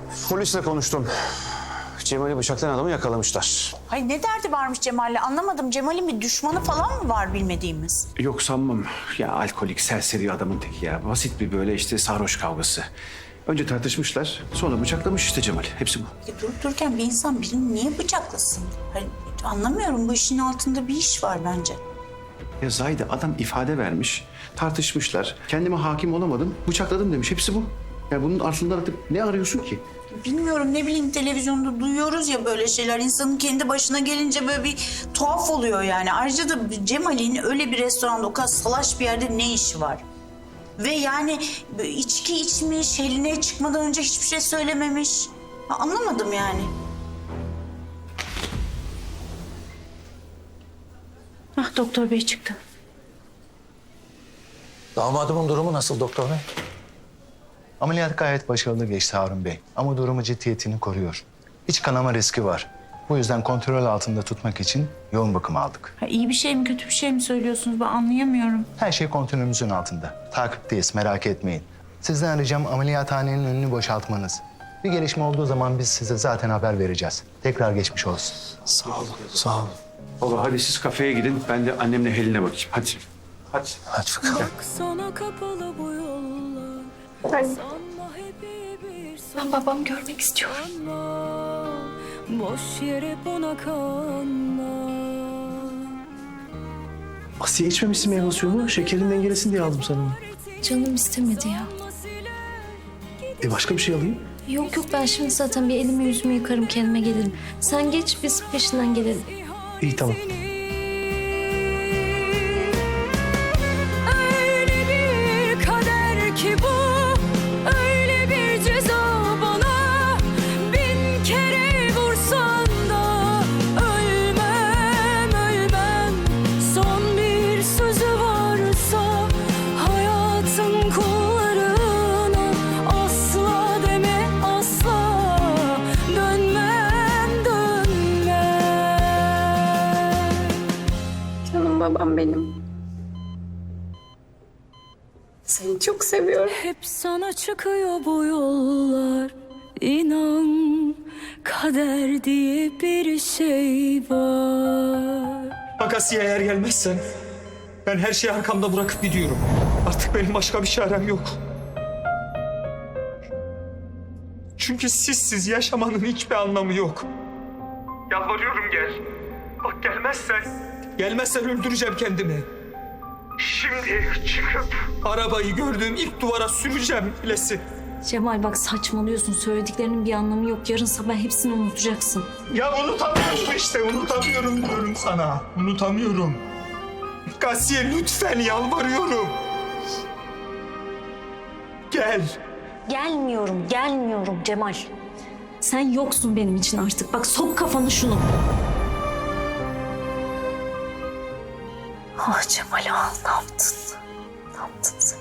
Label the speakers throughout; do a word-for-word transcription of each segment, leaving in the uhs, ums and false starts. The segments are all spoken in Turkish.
Speaker 1: Polisle konuştum. Cemal'i bıçaklayan adamı yakalamışlar.
Speaker 2: Ay ne derdi varmış Cemal'le anlamadım. Cemal'in bir düşmanı falan mı var bilmediğimiz?
Speaker 1: Yok sanmam. Ya alkolik, serseri adamın teki ya. Basit bir böyle işte sarhoş kavgası. Önce tartışmışlar, sonra bıçaklamış işte Cemal. Hepsi bu.
Speaker 2: Ya durup dururken bir insan birini niye bıçaklasın? Hani anlamıyorum, bu işin altında bir iş var bence.
Speaker 1: Ya Zahide adam ifade vermiş, tartışmışlar. Kendime hakim olamadım, bıçakladım demiş. Hepsi bu. Ya bunun altında artık ne arıyorsun ki?
Speaker 2: Bilmiyorum, ne bileyim, televizyonda duyuyoruz ya böyle şeyler. İnsanın kendi başına gelince böyle bir tuhaf oluyor yani. Ayrıca da Cemal'in öyle bir restoranda, o kadar salaş bir yerde ne işi var? Ve yani içki içmiş, Helina'ya çıkmadan önce hiçbir şey söylememiş. Ha, anlamadım yani. Ah, doktor bey çıktı.
Speaker 3: Damadımın durumu nasıl doktor bey?
Speaker 4: Ameliyat gayet başarılı geçti Harun Bey. Ama durumu ciddiyetini koruyor. İç kanama riski var. Bu yüzden kontrol altında tutmak için yoğun bakım aldık.
Speaker 2: Ha, iyi bir şey mi kötü bir şey mi söylüyorsunuz, ben anlayamıyorum.
Speaker 4: Her şey kontrolümüzün altında. Takipteyiz, merak etmeyin. Sizden ricam ameliyathanenin önünü boşaltmanız. Bir gelişme olduğu zaman biz size zaten haber vereceğiz. Tekrar geçmiş olsun.
Speaker 3: Sağ olun, sağ olun.
Speaker 1: Baba hadi siz kafeye gidin, ben de annemle Helin'e bakayım. Hadi. Hadi.
Speaker 3: Hadi bakalım.
Speaker 5: Sana kapalı bu yollar.
Speaker 6: Ben,
Speaker 5: Sanma hep iyi bir
Speaker 6: ben babamı görmek istiyorum.
Speaker 5: sanma. Boş yere buna kanma.
Speaker 3: Asiye içmemişsin meyve suyunu. Şekerin dengelesin diye aldım sana onu.
Speaker 6: Canım istemedi ya.
Speaker 3: E başka bir şey alayım.
Speaker 6: Yok yok, ben şimdi zaten bir elimi yüzümü yıkarım, kendime gelirim. Sen geç, biz peşinden gelelim.
Speaker 3: İyi tamam.
Speaker 5: Öyle bir kader ki bu, öyle bir ceza bana. Bin kere vursan da ölmem, ölmem. Son bir sözü varsa hayatın kullarına, asla deme asla, dönmem, dönmem.
Speaker 6: Canım babam benim. Seni çok seviyorum.
Speaker 5: Hep sana çıkıyor bu yollar. İnan, kader diye bir şey var.
Speaker 7: Bak Asiye, eğer gelmezsen ben her şeyi arkamda bırakıp gidiyorum. Artık benim başka bir çarem yok. Çünkü sizsiz yaşamanın hiçbir anlamı yok. Yalvarıyorum gel. Bak gelmezsen... Gelmezsen öldüreceğim kendimi. Şimdi çıkıp arabayı gördüğüm ilk duvara süreceğim bilesin.
Speaker 6: Cemal bak, saçmalıyorsun. Söylediklerinin bir anlamı yok. Yarın sabah hepsini unutacaksın.
Speaker 7: Ya unutamıyorum işte, unutamıyorum diyorum sana. Unutamıyorum. Asiye lütfen yalvarıyorum. Gel.
Speaker 6: Gelmiyorum, gelmiyorum Cemal. Sen yoksun benim için artık. Bak, sok kafanı şunu. Ah Cemal, ah ne yaptın? Ne yaptın sen?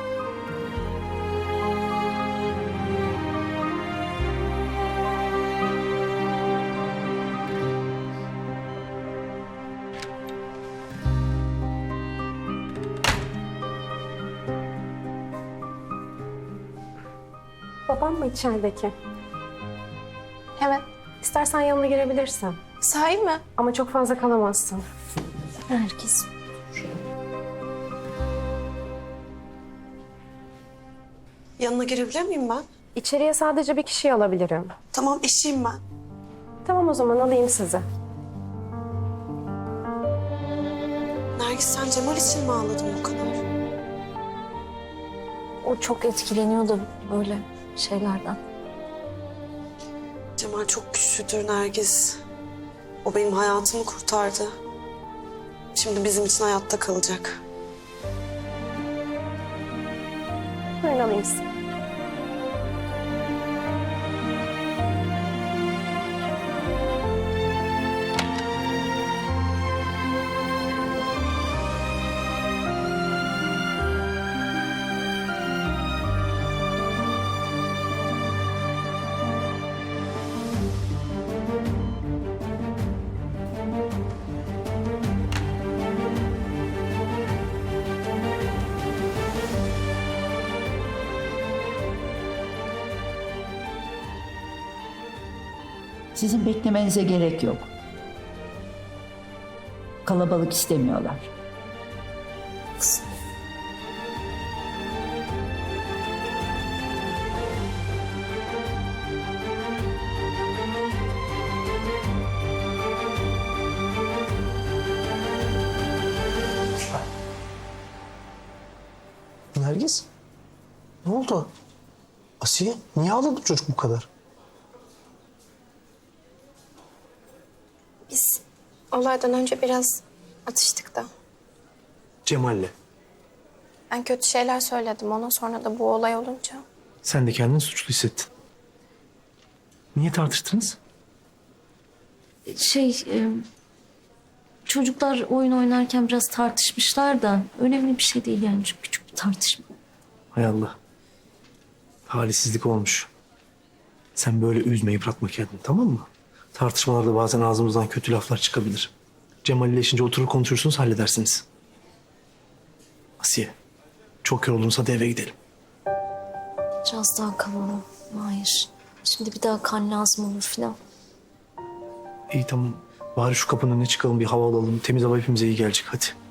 Speaker 8: Babam mı içerideki? Evet. İstersen yanına girebilirsin.
Speaker 6: Sahi mi?
Speaker 8: Ama çok fazla kalamazsın.
Speaker 6: Herkes.
Speaker 9: Yanına girebilir miyim ben?
Speaker 8: İçeriye sadece bir kişiyi alabilirim.
Speaker 9: Tamam, eşiyim ben.
Speaker 8: Tamam, o zaman alayım sizi.
Speaker 9: Nergis, sen Cemal için mi ağladın bu kadar?
Speaker 6: O çok etkileniyor da böyle şeylerden.
Speaker 9: Cemal çok güçlüdür Nergis. O benim hayatımı kurtardı. Şimdi bizim için hayatta kalacak.
Speaker 8: Buyurun alayım sizi.
Speaker 10: Sizin beklemenize gerek yok. Kalabalık istemiyorlar.
Speaker 3: Nergis? Ne oldu? Asiye, niye ağladı çocuk bu kadar?
Speaker 8: Biz olaydan önce biraz atıştık da.
Speaker 3: Cemal'le.
Speaker 8: Ben kötü şeyler söyledim ona, sonra da bu olay olunca.
Speaker 3: Sen de kendini suçlu hissettin. Niye tartıştınız?
Speaker 6: Şey, e, çocuklar oyun oynarken biraz tartışmışlar da önemli bir şey değil yani, çok küçük bir tartışma.
Speaker 3: Hay Allah. Talihsizlik olmuş. Sen böyle üzme, yıpratma kendini, tamam mı? Tartışmalarda bazen ağzımızdan kötü laflar çıkabilir. Cemal ile işince oturur konuşursunuz, halledersiniz. Asiye, çok yoruldunsa da eve gidelim.
Speaker 6: Biraz daha kalalım. Hayır. Şimdi bir daha kan lazım olur filan.
Speaker 3: İyi tamam. Bari şu kapının önüne çıkalım, bir hava alalım. Temiz hava hepimize iyi gelecek, hadi.